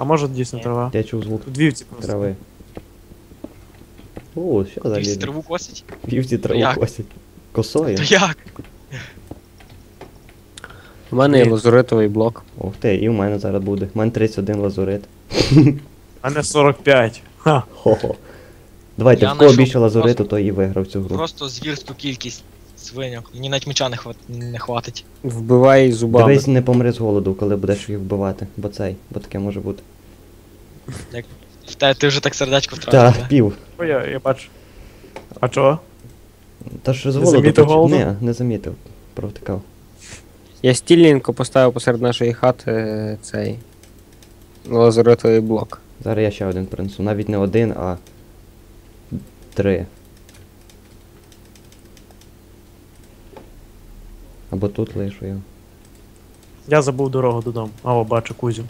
А може дійсно трава? Я чув звук Тут вівці просто. трави. О, що за Вівці лізе? траву косить? Вівці траву як? косять. Косою? То як? У мене є Ні. лазуритовий блок. Ух ти, і в мене зараз буде. У мене 31 лазурит. А не 45. Ха. Хо-хо. Давайте, Я в кого знайшов більше лазуриту, той і виграв цю гру. Просто звірську кількість свиньок. Мені навіть меча не хватить. Вбивай зубами. Дивись, не помри з голоду, коли будеш їх вбивати. Бо таке може бути. Ти вже так сердечко Так, втратив, да? пів. О, я бачу. А чого? Та що з Не голоду замітив голоду? Ні, не замітив. Провтикав. Я стільненько поставив посеред нашої хати цей лазуритовий блок. Зараз я ще один принесу. Навіть не один, а 3. Або тут лишу його. Я забув дорогу додому. А, о, бачу Кузю.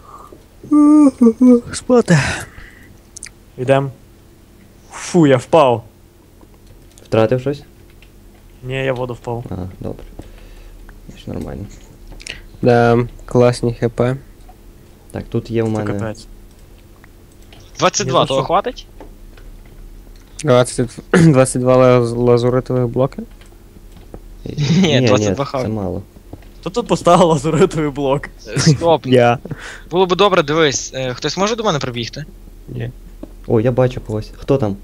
Спати. Йдем. Фу, я впав. Втратив щось? Ні, я в воду впав. Ага, добре. Значить нормально. Да, класні хп. Так, тут є в Це мене. капець. 22, Ні, того ну, хватить? 22 лазуритових блоки. Ні, 22 це хавай. мало. Хто тут поставив лазуритовий блок? Стоп. Я. Було б добре, дивись, хтось може до мене прибігти? Ні. О, я бачу когось. Хто там?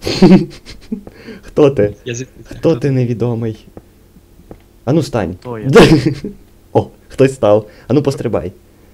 Хто ти? Я Хто ти невідомий? Ану стань. Хто я? О, хтось став. Ану пострибай.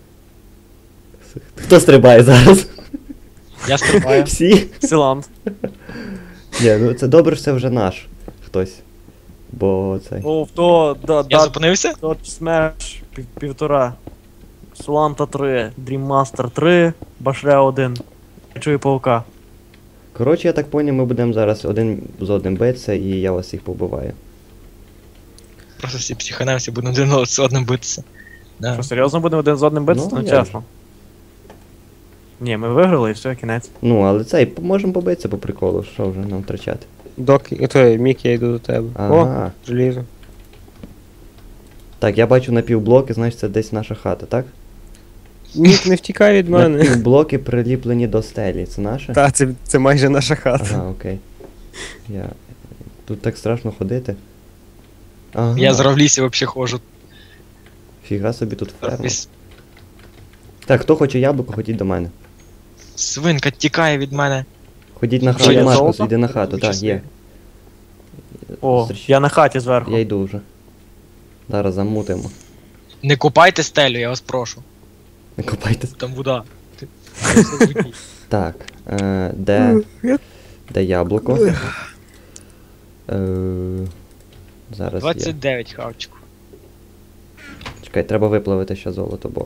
Хто стрибає зараз? Я стрибаю. Всі? Силант. Ні, ну це добре, що це вже наш хтось. Бо цей. О, то, Я зупинився? то Smash півтора. Суланта 3, Dream Master 3, Башля 1. Я чую паука. Коротше, я так поняв, ми будемо зараз один з одним битися, і я вас всіх побиваю. Просто всі психанемося, будемо один з одним битися. Да. Що, серйозно будемо один з одним битися? Ну, Ну, я чесно. Ні, ми виграли і все, кінець. Ну, але цей, можемо побитися по приколу, що вже нам втрачати. Той, Мік, я йду до тебе. О, Ага. желізо. Так, я бачу напівблоки, значить це десь наша хата, так? Мік, не втікай від мене. Напівблоки приліплені до стелі, це наше? Та, це майже наша хата. Ага, окей. Тут так страшно ходити. Ага. Я зараз в лісі взагалі ходжу. Фіга собі тут ферма. Так, хто хоче яблуко, ходіть до мене. Свинка тікає від мене. Ходіть на Що, хату, є Маркус, золото? йди на хату, так, Щасливо. є. О, я на хаті зверху. Я йду вже. Зараз замутимо. Не копайте стелю, я вас прошу. Не копайтесь. Там вода. Так, де яблуко? Зараз я. 29 хавчику. Чекай, треба виплавити ще золото, бо.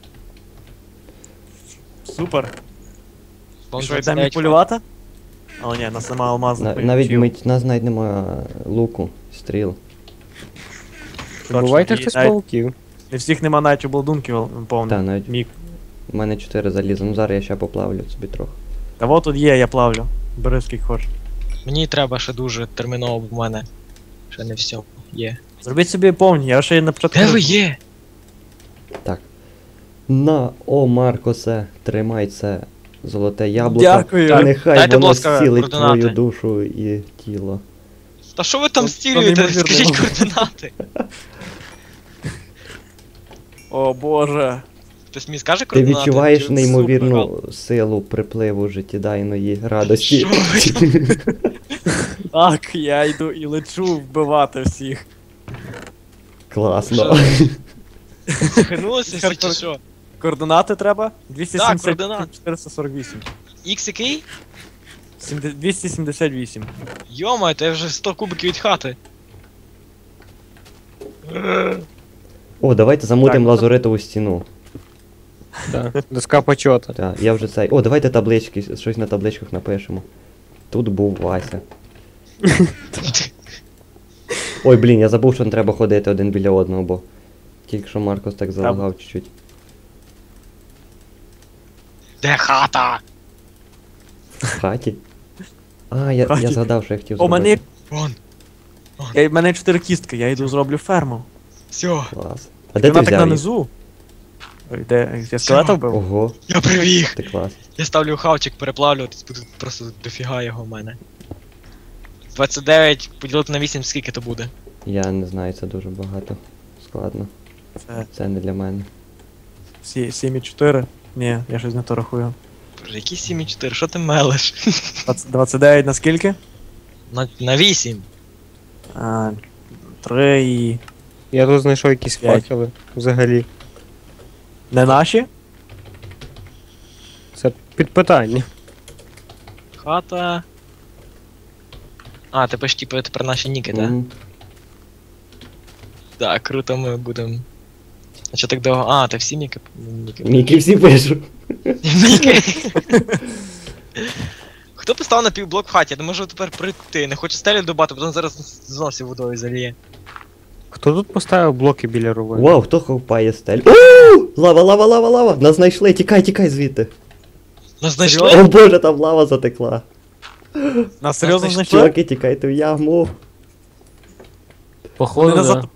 Супер. Вон Що, 29 йдемо полювати? Але ні, нас нема алмазних Навіть мечів. нас навіть немає луку, стріл. Точно, Бувайте і хтось навіть пауків. Не всіх нема навіть обладунків Та, повних. навіть Мік. у мене 4 заліза. Ну зараз я ще поплавлю собі трохи. Та вот тут є, я плавлю. Бери скільки хочеш. Мені треба ще дуже терміново, бо в мене ще не все є. Зробіть собі повні, я ще й на початку. Де ви є? Так. На, о, Маркосе, тримай це золоте яблуко. Дякую. Так, Нехай дайте, будь воно ласка, зцілить координати. твою душу і тіло. Та що ви там То стілюєте? неймовірно. Скажіть координати. О боже. Хтось мені скаже Ти координати? відчуваєш Чи- неймовірну силу припливу життєдайної радості. Що ви там? Так, я йду і лечу вбивати всіх. Класно. Захинулися всі чи що? Координати треба? 270 координати. 448. Ікс який? 278. Йома, то я вже 100 кубиків від хати. О, давайте замутимо Так. лазуритову стіну. Да. Доска почота. Так, я вже цей. О, давайте таблички, щось на табличках напишемо. Тут був Вася. Ой, блін, я забув, що не треба ходити один біля одного, бо тільки що Маркос так залагав чуть-чуть. Де хата? В хаті? А, я Хаті. згадав, що я хотів О, зробити. Вон. в мене 4 кістки, я йду зроблю ферму. Все. Клас. А де ти Вона так взяв їх? нанизу. Ой, де? Я скелета вбив? Ого, Я прибіг! ти клас. Я ставлю хавчик переплавлюватись, буде просто дофіга його в мене. 29 поділити на 8, скільки то буде? Я не знаю, це дуже багато. Складно. Це Це не для мене. 7,4. Ні, я щось не то рахую. Боже, які 7,4, що ти мелиш? 29 на скільки? На 8. 3 і... Я тут знайшов якісь 5. факели взагалі. Не наші? Це під питання. Хата. А, ти пишеш, типу, тепер наші ніки, так? Мгм. Так, круто, ми будемо. А що так довго? А, ти всі ніки? Мікі всі пишу. Ніки. Хто поставив на півблок в хаті? Я не можу тепер прийти. Не хочу стелі добати, потім зараз зносі водою заліє. Хто тут поставив блоки біля рови? Вау, хто ховпає стель? Ууу! Лава, лава, лава, лава! Нас знайшли, тікай, тікай звідти. Нас знайшли? О боже, там лава затекла. Нас серйозно знайшли? знайшли? Чуваки, тікайте в яму. Походу, Вони да. назад-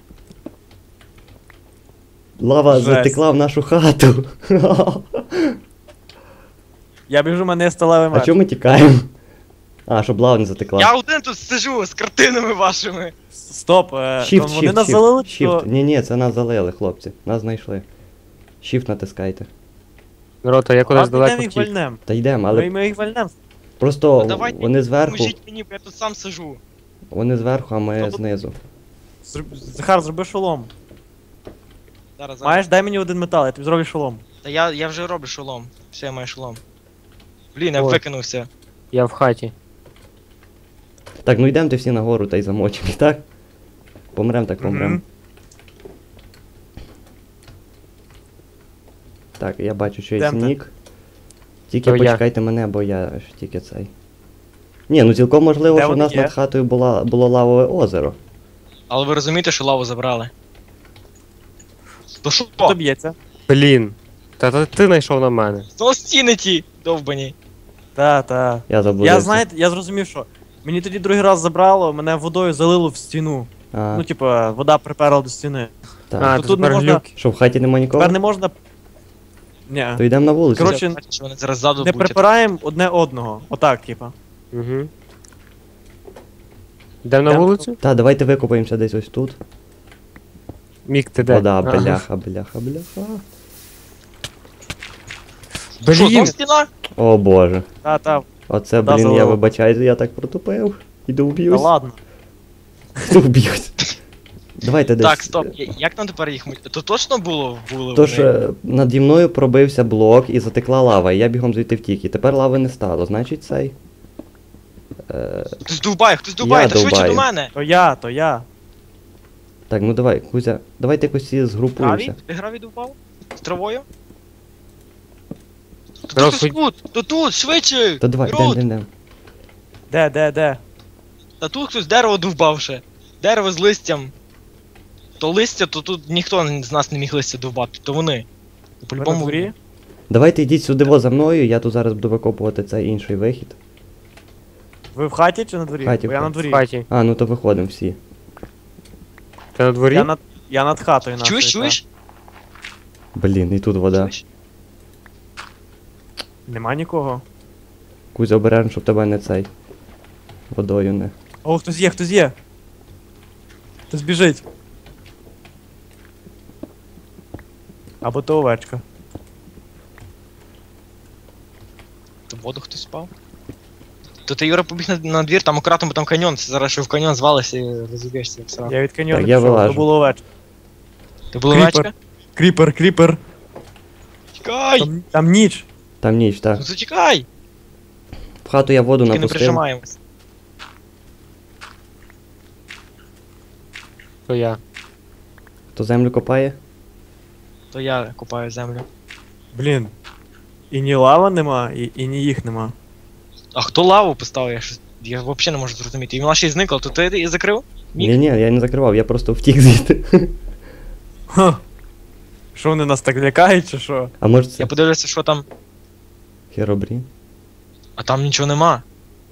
Лава Жесть. затекла в нашу хату. Я біжу, мене сталевий А меч. чому ми тікаємо? А, щоб лава не затекла. Я один тут сижу з картинами вашими. Стоп, Shift, вони shift, нас shift, залили, shift. то... Ні, це нас залили, хлопці. Нас знайшли. Shift натискайте. Рота, я кудись Ладно, далеко йдемо їх втік. вальнем. Та йдемо, але Ми їх вальнем. просто Ну, давайте, вони зверху, Поможіть мені, бо я тут сам сижу. вони зверху, а ми Тобто- знизу. Захар, зроби шолом. Зараз. Маєш, дай мені один метал, я тобі зроблю шолом. Та я вже роблю шолом. Все, я маю шолом. Блін, я Ой. викинувся. Я в хаті. Так, ну йдемте всі нагору та й замочимо, так? Помрем, так помрем. Мгм. Так, я бачу, що є Йдемте. нік. Тільки То я. почекайте мене, бо я ж тільки цей. Ні, ну цілком можливо, Де що в вони нас є? над хатою було лавове озеро. Але ви розумієте, що лаву забрали? То що? Хто б'ється? Блін. Та ти знайшов на мене. Знову стіни ті, довбані. Та. Я заблудився. Я, знаєте, я зрозумів, що мені тоді другий раз забрало, мене водою залило в стіну. А, Ну, типа, вода приперла до стіни. так. А, то то тут не тепер можна- глюк. Що в хаті нема нікого? Тепер не можна. Ні. То йдемо на вулицю. Коротше, Я бачу, що вони зараз ззаду Не будуть. припираємо одне одного. Отак, типа. Угу. Йдемо на Йдемо. вулицю? Та, давайте викопаємося десь ось тут. Мік, ти де? Вода, Ага. бляха, бляха, бляха. Що, знову Блін. стіна? О боже. Та. Оце, Вода блін, я залила. вибачаюсь, я так протупив. Іду Та вб'юсь. ладно. Іду вб'юсь. Давайте десь. Так, стоп, як нам тепер їх мить? То точно були Тож вони? наді мною пробився блок і затекла лава, і я бігом звідти втік. І тепер лави не стало, значить цей. Хтось довбає, та швидше довбаю. до мене. То я. Так, ну давай, Кузя, давайте якось всі Гравій? згрупуємося. Ти гравій довбав? З травою? Раз, Хтось тут, швидше! Та давай, Рут! йдем. Де? Та тут хтось дерево довбав ще. Дерево з листям. То листя, то тут ніхто з нас не міг листя довбати, то вони. Ви на По-любому. дворі? Давайте йдіть сюди во за мною, я тут зараз буду викопувати цей інший вихід. Ви в хаті чи на дворі? В хаті, Бо я в на хаті. В дворі. хаті. А, ну то виходимо всі. Ти на дворі? Я над хатою нашою. Чуєш? Блін, і тут вода. Чуєш? та. Нема нікого. Кузя, обережно, щоб тебе не цей. Водою не. О, хтось є. Хтось біжить. Або то овечка. То в воду хтось спав? То ти, Юра, побіг на двір, там акуратно, бо там каньйон, це зараз що в каньйон звалися і розіб'єшся як сразу. Я від каньйону Так, я пішов, вилажу. то було овечка. Ти була Кріпер. овечка? Кріпер. Тікай! Там ніч. Там ніч, так. Ну зачекай! В хату я воду Тільки не напустив. прижимаємось. То я. То землю копає. То я купаю землю. Блін. І ні лава нема, і ні їх нема. А хто лаву поставив? Я взагалі не можу зрозуміти. І вона ще й зникла, то ти її закрив? Мік? Ні, я не закривав, я просто втік звідти. Ха. Що вони нас так лякають, чи що? А може це Я подивлюся, що там. Херобрін? А там нічого нема.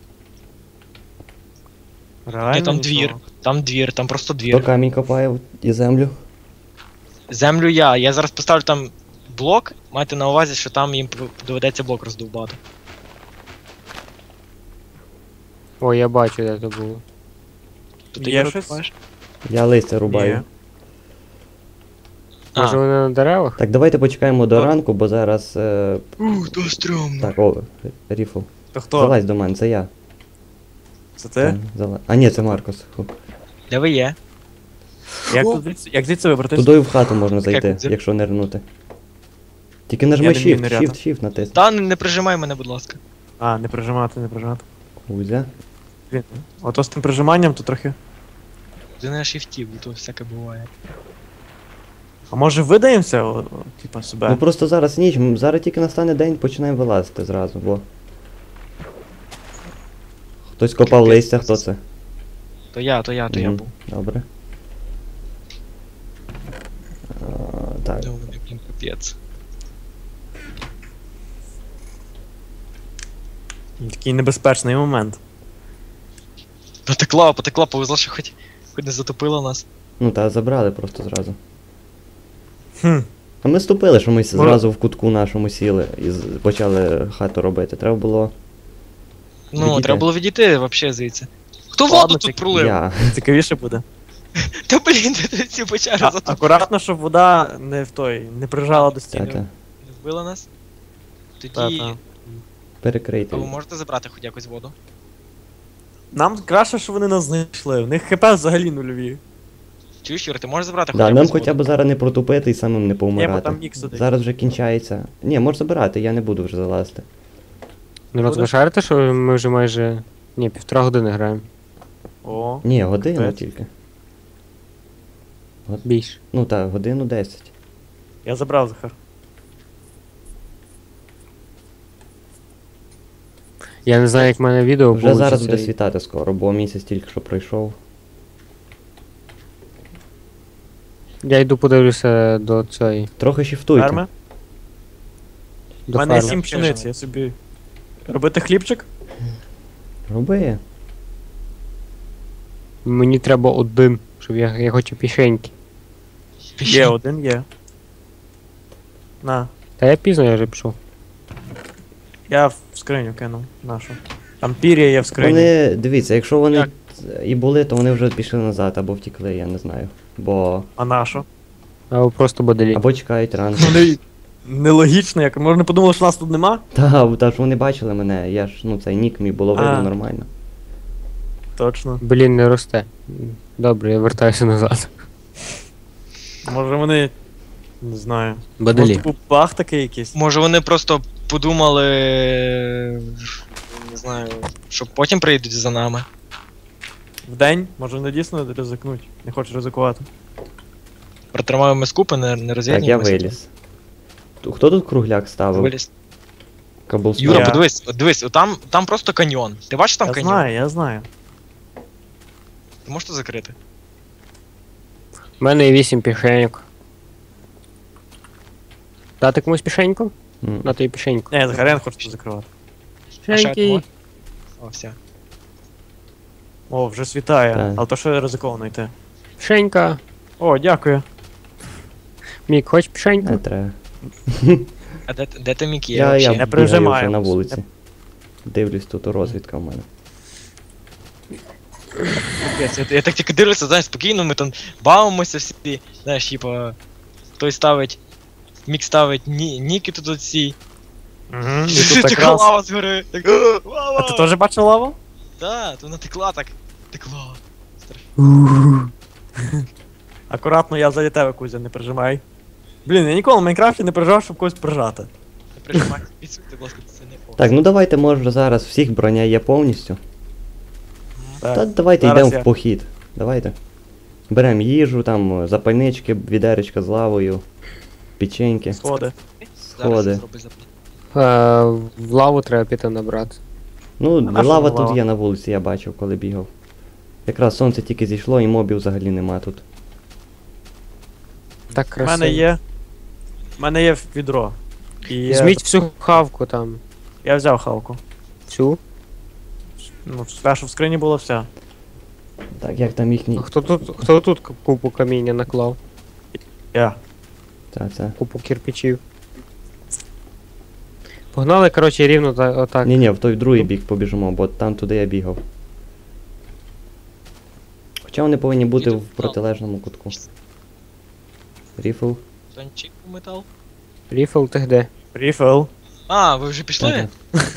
Реально Ні, там нічого? двір, там просто Хто двір. камінь копає і землю? Землю я зараз поставлю там блок, майте на увазі, що там їм доведеться блок роздовбати. О, я бачу, де це було. То ти Є Юра, щось? бачиш? Я листя рубаю. Є. А. Може вони на деревах? Так, давайте почекаємо до Так. ранку, бо зараз. То стрьомно. Так, о, Ріфл. То хто? Залазь до мене, це я. Це ти? Так, А ні, це Маркос. Фу. Де ви є? Як звідси вибратись? Тудою в хату можна Таке зайти, кудзя. якщо нирнути. Тільки нажми Я не вмію Shift, ниряти. Shift натисни. Та не прижимай мене, будь ласка. А, не прижимати, не прижимати. Кузя. Блін. Ото з тим прижиманням то трохи. Ти не шифтів, бо то всяке буває. А може видаємося, типа себе? Ну просто зараз ніч, зараз тільки настане день, починаємо вилазити зразу, бо. Хтось копав Капець, листя, це хто це? То я Мгм, був. Добре. Так. Ну, мене, блін, капець. Такий небезпечний момент. Потекла, повезло, що хоч не затопило нас. Ну та забрали просто зразу. Хм. А ми ступили, що ми зразу в кутку нашому сіли і почали хату робити. Треба було. Ну, Відійти. треба було відійти вообще звідси. Хто Ладно, воду тут тільки пролив? Я. Цікавіше буде. Та блін, ти ці печери затопили. Акуратно, щоб вода не прижала до стіни. Та-та. Не вбила нас? Тоді. Та-та. Перекрийте. А ви можете забрати хоч якось воду? Нам краще, що вони нас знайшли. У них хп взагалі нульові. Чуєш, Юр, ти можеш забрати Да, хоч нам якось хоча воду? б зараз не протупити і самим не Є, бо повмирати. там мікс сидить. Зараз вже кінчається. Ні, можеш забирати, я не буду вже залазити. Народ, ви шарите, що ми вже майже. Ні, 1,5 години граємо. О, Ні, годину Капець. тільки. Більше. Ну так, годину 10. я забрав Захар. Я не знаю, як в мене відео Вже зараз получиться, буде і- світати скоро, бо місяць тільки що пройшов. Я йду подивлюся до цієї. Трохи шіфтуйте. Ферми? У До мене є ферми. 7 пшениці, я собі. Робити хлібчик? Роби. Мені треба один, щоб я хочу пішеньки. Є, один є. На. Та я пізно я вже пішов. Я в скриню кинув нашу. Там пір'я є в скрині. Вони, дивіться, якщо вони Як? і були, то вони вже пішли назад або втікли, я не знаю. Бо. А нашу? Або просто боделі. Або чекають ранку. Вони нелогічно, як можна подумали, що нас тут нема? Та ж вони бачили мене, я ж, ну цей нік мій було видно А. нормально. Точно. Блін, не росте. Добре, я вертаюся назад. Може вони. Не знаю. Боделі. Може, типу баг такий якийсь. Може вони просто подумали. Не знаю, що потім прийдуть за нами. Вдень, може вони дійсно ризикнуть. Не хочуть ризикувати. Протримаємо скупи, не Так, я розвіднімося. виліз. Хто тут кругляк ставив? Виліз. Каблстон. Юра, Я. подивись, от дивись, там просто каньйон. Ти бачиш там Я каньйон? знаю, я знаю. Ти можеш то закрити? У мене є 8 пішеньок. Дати комусь пішеньку? М. На тобі пішеньку. Ні, Захар, я не хочу це закривати. А ще Пішеньки. одного? О, все. О, вже світає. Так. Але то що ризиковано йти. Пішенька. О, дякую. Мік, хоч пішеньку? Не треба. А де ти Мік є? Я вообще? Не бігаю прижимаю. вже на вулиці. Дивлюсь, тут розвідка в мене. Капець, я так тільки дивлюся, знаєш, спокійно, ми там бавимося всі, знаєш, типа, хтось ставить, Мік ставить ніки тут оці. Угу. І тут Така якраз. лава згори. Так, лава! А ти теж бачив лаву? Да, то вона текла так. Текла. Акуратно, я ззаді тебе, Кузя, не прижимай. Блін, я ніколи в Майнкрафті не прижав, щоб когось прижати. Не прижимай, підсуньте, будь ласка, це не о. Так, ну давайте, може вже зараз всіх броня є повністю. Так. Та давайте зараз йдемо я. в похід. Давайте. Беремо їжу, там, запальнички, відеречка з лавою, печеньки, Сходи. Зараз сходи. я зроблю запит. В лаву треба піти набрати. Ну, А наша лава лава? тут є на вулиці, я бачив, коли бігав. Якраз сонце тільки зійшло і мобів взагалі нема тут. Так У красиво. мене є. У мене є відро. І Візьміть всю хавку там. Я взяв хавку. Всю. Ну, все, що в скрині було все. Так, як там їхній. А хто тут купу каміння наклав? Я. Та, це. Купу кирпичів. Погнали, коротше, рівно отак. Ні-ні, в той другий бік побіжимо, бо там туди я бігав. Хоча вони повинні бути в протилежному кутку. Ріфл. Тончик у метал. Ріфл, ти де? Ріфел. А, ви вже пішли?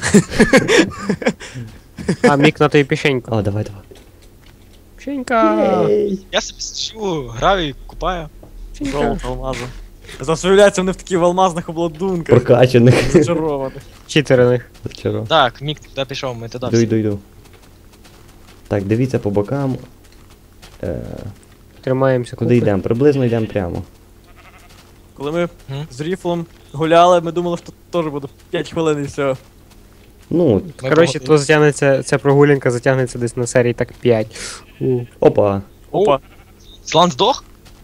А, Мік на тобі пішеньку. О, давай, давай. Пішенька! Я собі сижу, граю і купаю. Пішенька. Золото, алмази. Заявляються вони в таких алмазних обладунках. Прокачаних. Зачарованих. Читерених. Вчора. Так, Мік туди пішов, ми туди Йду, всі. йду. Так, дивіться по бокам. Тримаємося. Куди йдемо? Приблизно йдемо прямо. Коли ми Мгм. з Ріфлом гуляли, ми думали, що теж буде 5 хвилин і все. Ну, Ми Коротше, погодили. то затягнеться, ця прогулянка затягнеться десь на серії так 5. опа. Опа. Слан здох?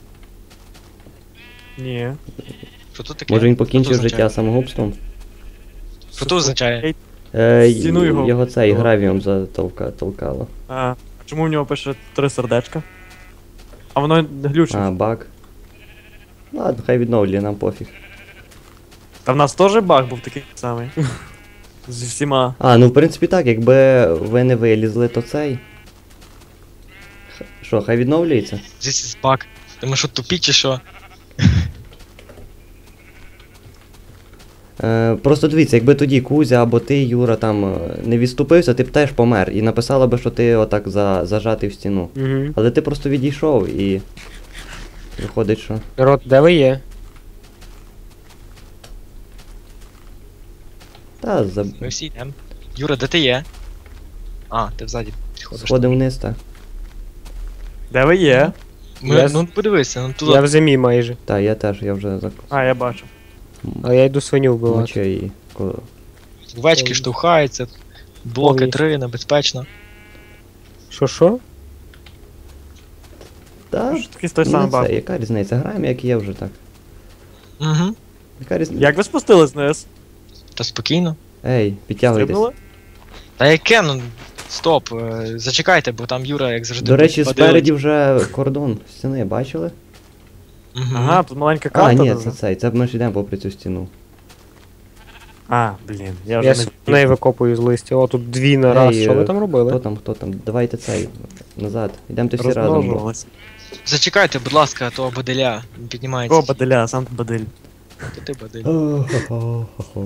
Ні. Що тут таке? Може він Що покінчив тут життя означає? самогубством? Що тут означає? Стіну його. Його цей Його. гравієм толкало. А чому в нього пише 3 сердечка? А воно глючить. А, баг. Ладно, хай відновлює, нам пофіг. Та в нас теж баг був такий самий. Зі всіма. А, ну в принципі так, якби ви не вилізли, то цей. Що, хай відновлюється? This is bug. Ти ми що тупі чи що? Просто дивіться, якби тоді Кузя або ти, Юра, там не відступився, ти б теж помер. І написала би, що ти отак зажатий в стіну. Угу. Але ти просто відійшов і. Виходить, що. Рот, де ви є? Та, Ми всі йдемо. Юра, де ти є? А, ти взаді підходиш. сходи вниз, та. Де ви є? Ми, ну подивися, ну туди. Я в зимі майже. Та, я теж, я вже А, я бачу. Але я йду свиню вбивати. мочу і. Овечки штовхаються, блоки Повністю. 3, небезпечно. Що? Та, Що такий той самий ну, баг. це, яка різниця? Граємо, як є вже так. Угу. Яка різниця? Як ви спустились вниз? Та спокійно. Ей, підтягуйтесь. Стрибнули? Та яке, ну. Стоп, зачекайте, бо там Юра, як завжди. До речі, падилить. спереді вже кордон стіни, бачили? Мгм. Ага, тут маленька А, карта. ні, даже. це цей, це ми ж йдемо попри цю стіну. А, блін, я вже Я не неї викопую з листя. О, тут дві на раз. Ей, Що ви там Хто робили? там? Давайте цей, назад. Йдемте всі разом. бо- розмножувалися. Зачекайте, будь ласка, а то баделя не піднімається. О, баделя, сам ти бадель. То ти бадель. О-хо-хо-хо.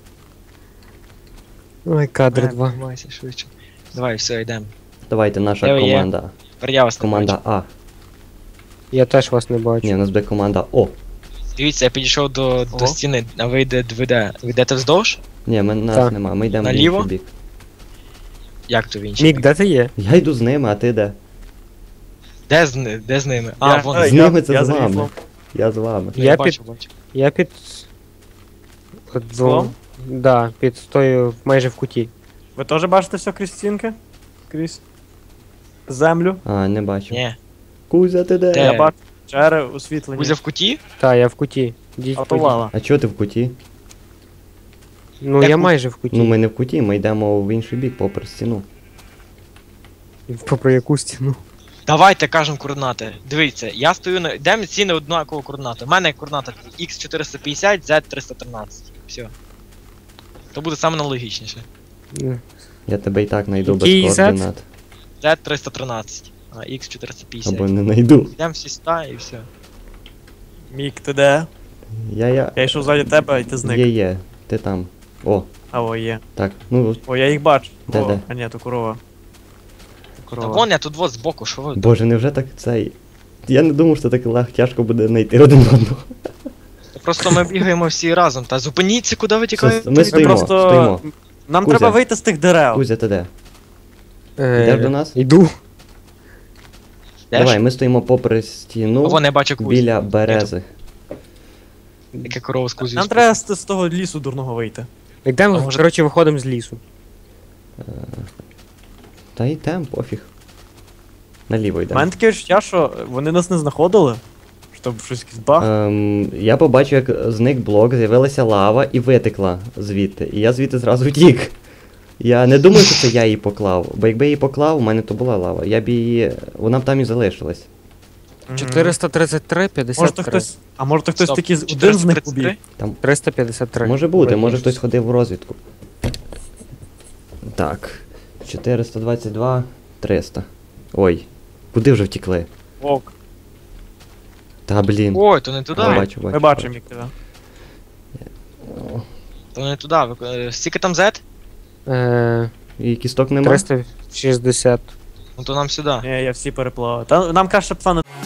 Ой, кадр 2. Піднімайся швидше. Давай, все, йдемо. Давайте, наша Де ви є? команда. Тепер я вас не Команда бачу. А. Я теж вас не бачу. Ні, у нас буде команда О. Дивіться, я підійшов до Ого. стіни, а ви йдете вздовж? Ні, нас Так. нема, ми йдемо в Наліво? інший бік. Як то в інший Мік, бік? де ти є? Я йду з ними, а ти де? Де з ними? А, Я- вон. З ними це я з за вами. Ріфлом. Я з вами. Я бачу. Я під. От Склом? Да, під тою майже в куті. Ви теж бачите все крізь стінки? Крізь землю? А, не бачу. Ні. Кузя, ти де? Де? Я бачу чери, освітлення. Кузя в куті? Та, я в куті. Діть, А то подіть. лава. А чого ти в куті? Ну Як я кут? майже в куті. Ну ми не в куті, ми йдемо в інший бік, попри стіну. Попри яку стіну. Давайте кажемо координати. Дивіться, я стою на. Йдемо всі на однакову координату. У мене координата X450, Z313. Все. То буде саме найлогічніше. Ну, Я тебе і так знайду без Який Z? координат. Z313, а X450. Або не знайду. Йдемо всі сюди і все. Мік, ти де? Я. Я йшов ззаді тебе, і ти зник. Є. Ти там. О, А, о, є. так. Ну, О, я їх бачу. Де, О, де? А ні, то корова. То Та корова. вон я тут вот збоку, що ви. боже, невже так цей. Я не думав, що так тяжко буде знайти один одного. Просто ми бігаємо всі разом. Та зупиніться, куди ви тікаєте? Ми Ми стоїмо, просто... стоїмо. Нам Кузя. треба вийти з тих дерев. Кузя, ти де? Е, Йдеш до нас? Йду. Де Давай, ж? ми стоїмо попри стіну Вон я бачу Кузю. біля берези. Яке корова з Кузю. Нам треба з того лісу дурного вийти. Йдемо, А може- коротше, виходимо з лісу. Та й там, пофіг. Наліво У йдемо. мене таке відчуття, що вони нас не знаходили. Щоб щось якийсь баг. Я побачив, як зник блок, з'явилася лава і витекла звідти. І я звідти зразу втік. Я не думаю, що це я її поклав. Бо якби я її поклав, у мене то була лава. Я б її. Вона б там і залишилась. Мгм. 433, Може то 53. хтось. А може то хтось Стоп, тільки один з них 433? убіг? 353. Може бути, може Вибачте. хтось ходив в розвідку. Так. 422, 300. Ой. Куди вже втікли? Вовк. Та блін. Ой, то не туди. А, бачу, Ми бачу. бачимо, як тебе. То не туди. Скільки там Z? І кісток нема? 360. Ну то нам сюди. Ні, я всі переплавав. Та нам краще пацани